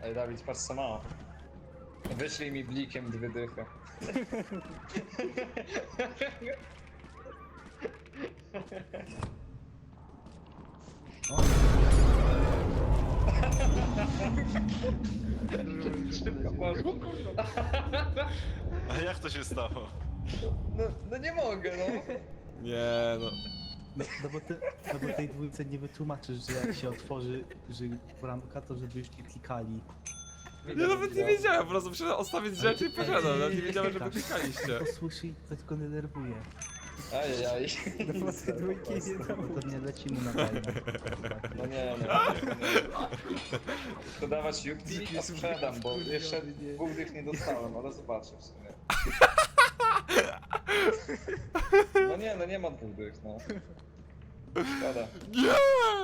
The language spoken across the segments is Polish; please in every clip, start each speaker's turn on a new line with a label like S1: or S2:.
S1: Ej, Dawid, patrz co ma. Wyślij mi blikiem 2 dychy. Szybko poszło.
S2: A jak to się stało?
S1: No nie mogę, no.
S3: Nie no.
S4: No bo tej dwójce nie wytłumaczysz, że jak się otworzy że bramka, to żeby już nie klikali.
S3: Ja nawet nie wiedziałem, po prostu muszę odstawić rzeczy i poszedłem, nawet nie wiedziałem, że wy klikaliście.
S4: To słyszy i to tylko denerwuje.
S1: Ajajaj.
S5: No bo te dwójki nie
S4: Bo
S5: dało.
S4: to nie lecimy na tajne.
S1: No nie, no. To dawać Yupi, a sprzedam, bo jeszcze 2 dych nie dostałem, ale zobaczę w sumie. No nie ma 2 dych, no. Szkoda.
S3: Nie!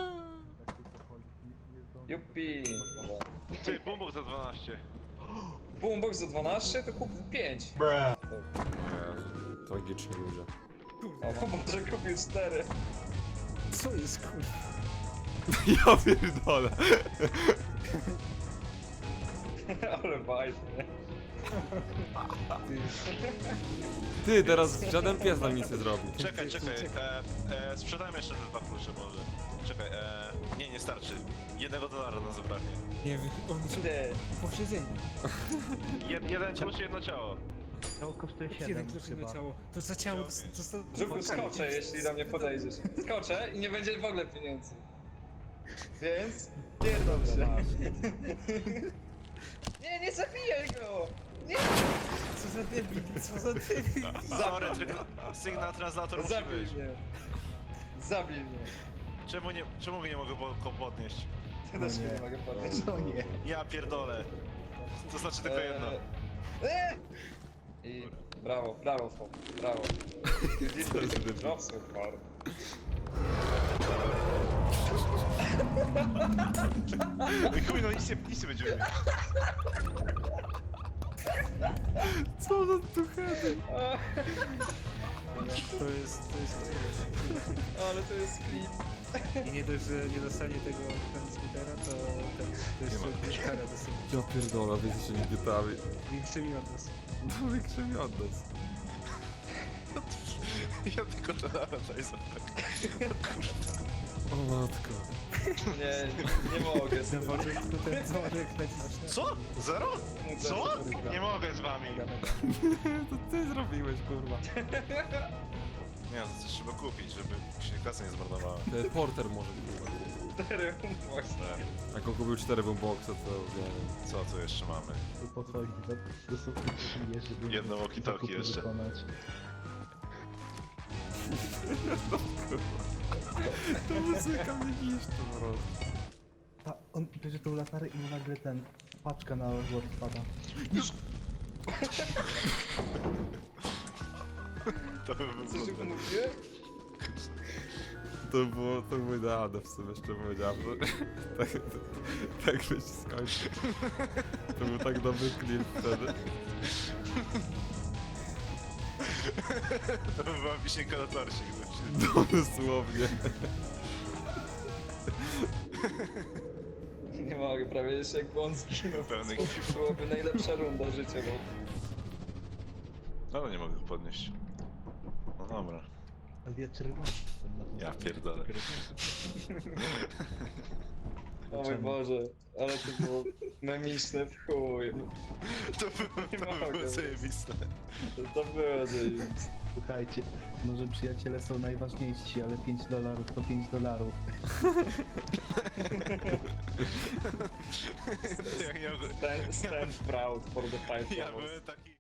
S1: Yupi!
S2: Ty, bombok za 12.
S1: Boombox za 12, to kup 5.
S3: Tragiczni ludzie.
S1: O, może kupił 4.
S5: Co jest kurwa?
S3: Ja pierdolę.
S1: Ale bajt, nie?
S3: Ty, teraz żaden pies nam nic nie zrobi.
S2: Czekaj, sprzedajmy jeszcze te 2 klucze może. Czekaj, nie starczy. $1 na zebranie.
S5: Nie wiem, on są
S1: Ty,
S5: posiedzeni.
S2: Jeden klucz, jedno ciało.
S4: To kosztuje
S5: Jeden
S4: 7
S5: klucz
S4: chyba.
S5: na ciało. To za ciało, to za...
S1: Żuku, skoczę, jeśli do mnie podejdziesz. Skoczę i nie będzie w ogóle pieniędzy. Więc pierdol się. Nie zabijaj go! Nie!
S5: Co za debil, co za debil.
S2: Sorry, tylko sygnał translator musi
S1: Zabij
S2: być.
S1: mnie. Zabij mnie.
S2: Czemu nie mogę go podnieść?
S1: Ty też
S4: nie.
S1: nie mogę podnieść.
S4: No nie.
S2: Ja pierdolę. To znaczy tylko jedno.
S1: I brawo, Fok, brawo. Dropsy, hard.
S2: Chuj, no nic nie będziemy mieć.
S3: Co za tuchety?
S5: To jest...
S1: Ale to jest klip.
S5: I nie dość, że nie dostanie tego transmitera, to jeszcze też karę dostanie.
S3: Ja pierdolę, wiecie, że nie gietami.
S5: Większymi od nas.
S3: No większe mi od nas.
S2: Ja tylko to daj za
S3: O matko.
S1: Nie mogę.
S5: Dzwonek, to ten dzwonek naciśnę.
S2: Co? Zero? Co? Nie mogę z wami.
S3: To ty zrobiłeś, kurwa.
S2: Nie, to coś trzeba kupić, żeby się kasa nie zmarnowała.
S3: Porter może, kurwa.
S1: 4 właśnie.
S3: Jak on kupił 4 boomboxa, to nie wiem.
S2: Co tu jeszcze mamy?
S4: Tu podchodzi do sufit, żeby
S2: Jedno walkie-talkie
S4: zakupy
S2: jeszcze.
S4: wykonać.
S3: To muzyka mnie niszczy po prostu.
S4: On bierze tą latarę i mu nagle paczka na złot wpada.
S2: To by
S1: Co się
S2: było...
S1: mówiłem?
S3: To było idealne w sumie, jeszcze powiedziałem, że tak by się skończył. To był tak dobry klip wtedy.
S2: To by była wisienka na torcie.
S3: No dosłownie.
S1: Nie mogę, prawie jeszcze jak on zginął.
S2: Pełny
S1: To byłoby najlepsza runda życiowa.
S2: Ale nie mogę go podnieść. No dobra.
S4: Ale ja czerwony jestem na tym.
S2: Ja pierdolę.
S1: O mój Boże, ale to było memiczne w chuj.
S2: To było zajebiste.
S1: To było zajebiste.
S4: Słuchajcie, może przyjaciele są najważniejsi, ale $5 to $5.
S2: Jak nie mogę...
S1: Stand proud for the fight.
S2: Ja byłem taki...